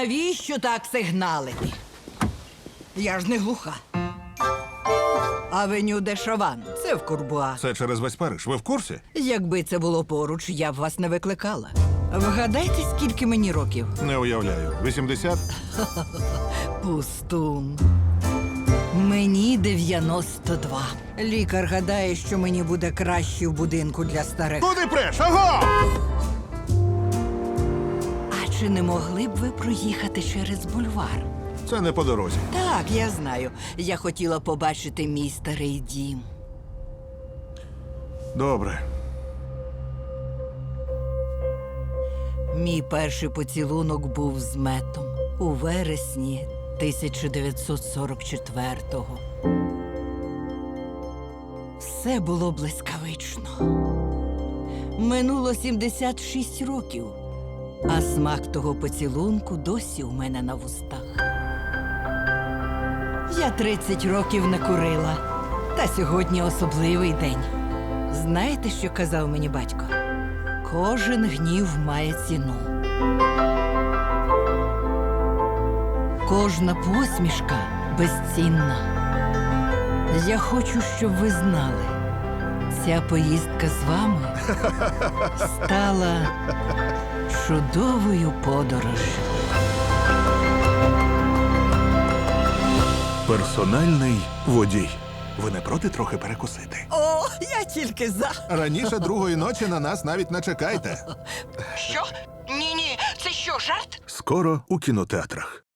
Навіщо так сигналити? Я ж не глуха. Авеню де Шован. Це в Курбуа. Це через весь Париж. Ви в курсі? Якби це було поруч, я б вас не викликала. Вгадайте, скільки мені років? Не уявляю. 80? Пустун. Мені 92. Лікар гадає, що мені буде краще в будинку для старих. Куди преш? Аго! А чи не могли б ви проїхати через бульвар? Це не по дорозі. Так, я знаю. Я хотіла побачити мій старий дім. Добре. Мій перший поцілунок був з Метом у вересні 1944-го. Все було блискавично. Минуло 76 років, а смак того поцілунку досі у мене на вустах. Я 30 років не курила, та сьогодні особливий день. Знаєте, що казав мені батько? Кожен гнів має ціну. Кожна посмішка безцінна. Я хочу, щоб ви знали, ця поїздка з вами стала чудовою подорожжю. Персональний водій. Ви не проти трохи перекусити? О, я тільки за. Раніше другої ночі на нас навіть не чекайте. Що? Ні-ні, це що, жарт? Скоро у кінотеатрах.